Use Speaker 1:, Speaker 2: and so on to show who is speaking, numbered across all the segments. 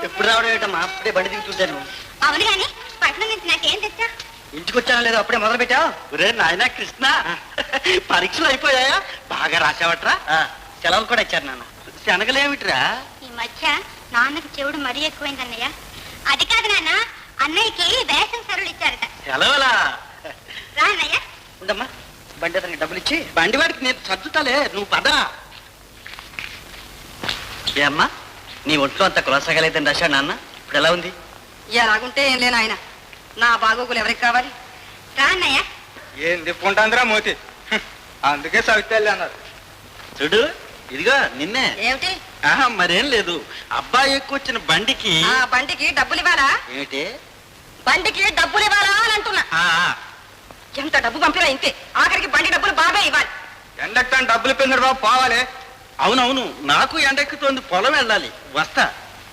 Speaker 1: ఎప్పుడు రావడం ఏంటమ్మా? అప్పుడే బండి దిగుతుంటాను.
Speaker 2: అవును గాని పట్నం నుంచి నాకేం తెచ్చా?
Speaker 1: ఇంటికి వచ్చానా లేదు అప్పుడే మొదలు పెట్టా.
Speaker 3: ఒరే నాయనా కృష్ణ, పరీక్షలు అయిపోయాయా? బాగా రాసావట్రా?
Speaker 1: సెలవులు కూడా ఇచ్చారు నాన్న.
Speaker 3: శనగలేమిట్రా?
Speaker 2: ఈ మధ్య నాన్నకి చెవుడు మరీ ఎక్కువైంది అన్నయ్య. అది కాదు నాన్న, అన్నయ్యకి వేసం సరులు ఇచ్చారట.
Speaker 3: సెలవులా?
Speaker 2: రా అన్నయ్య.
Speaker 1: ఉండమ్మా, బండి అతనికి డబ్బులు ఇచ్చి
Speaker 3: బండి వాడికి నేను సర్దుతాలే, నువ్వు పద.
Speaker 1: ఏ అమ్మా, నీ ఒంట్లో అంత కొలసగలేదని రాశాడు నాన్న. ఇప్పుడు ఎలా ఉంది?
Speaker 4: ఎలాగుంటే ఏం లేను ఆయన. నా బాగోగులు ఎవరికి కావాలి?
Speaker 2: రా అన్నయ్య.
Speaker 5: ఏం తిప్పుకుంటాందిరా మోతి, అందుకే సవితల్లి అన్నారు.
Speaker 3: చూడు, ఇదిగో నిన్నే.
Speaker 4: ఏమిటి?
Speaker 3: ఆహా, మరేం లేదు. అబ్బాయి ఎక్కువచ్చిన బండికి.
Speaker 4: ఆ బండికి డబ్బులు ఇవ్వాలా?
Speaker 3: ఏమిటి?
Speaker 4: బండికి డబ్బులు ఇవ్వాలా అని అంటున్నా. ఎంత డబ్బు పంపినా ఇంతే. ఆఖరికి బండి డబ్బులు బాబే ఇవ్వాలి.
Speaker 5: ఎండక్తాను డబ్బులు పిందరు బాబు పోవాలి.
Speaker 3: అవునవును, నాకు ఎండెక్కుతోంది, పొలం వెళ్ళాలి, వస్తా.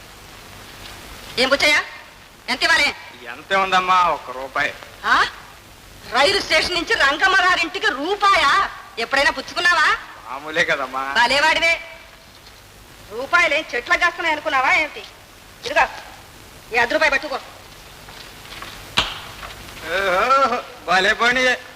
Speaker 4: ఏం బుచ్చయ్యా, ఎంత ఇవ్వాలి?
Speaker 5: ఎంత ఉందమ్మా? 1 రూపాయి.
Speaker 4: ఆ? రైలు స్టేషన్ నుంచి రంగమ్మ గారింటికి రూపాయా? ఎప్పుడైనా పుచ్చుకున్నావా?
Speaker 5: మామూలే కదమ్మా.
Speaker 4: భలేవాడివే. రూపాయలే చెట్లకు కాస్తున్నాయి అనుకున్నావా ఏమిటి? ఇదిగా ఈ 10 రూపాయలు పట్టుకో.
Speaker 5: భలే పని.